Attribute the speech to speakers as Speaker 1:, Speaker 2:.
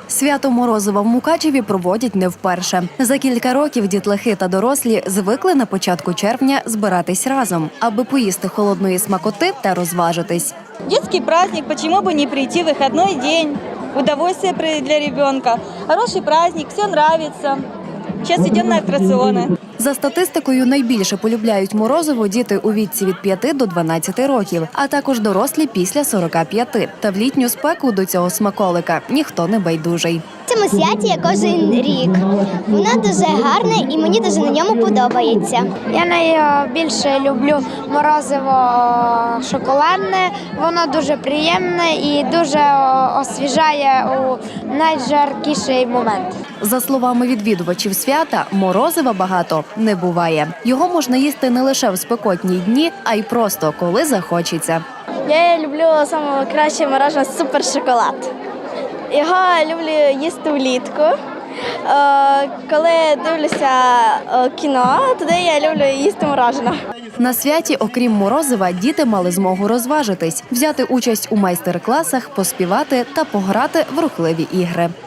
Speaker 1: Свято Морозива в Мукачеві проводять не вперше. За кілька років дітлахи та дорослі звикли на початку червня збиратись разом, аби поїсти холодної смакоти та розважитись.
Speaker 2: Детский праздник, почему бы не прийти в выходной день? Удовольствие для ребенка. Хороший праздник, все нравится. Сейчас идем на аттракционы.
Speaker 1: За статистикою, найбільше полюбляють морозиво діти у віці від 5 до 12 років, а також дорослі після 45. Та в літню спеку до цього смаколика ніхто не байдужий.
Speaker 3: В цьому святі я кожен рік. Воно дуже гарне і мені дуже на ньому подобається.
Speaker 4: Я найбільше люблю морозиво шоколадне, воно дуже приємне і дуже освіжає у найжаркіший момент.
Speaker 1: За словами відвідувачів свята, морозива багато не буває. Його можна їсти не лише в спекотні дні, а й просто коли захочеться.
Speaker 4: Я люблю найкраще мороженое супершоколад. Його люблю їсти влітку. Коли дивлюся кіно, тоді я люблю їсти мороженое.
Speaker 1: На святі, окрім морозива, діти мали змогу розважитись, взяти участь у майстер-класах, поспівати та пограти в рухливі ігри.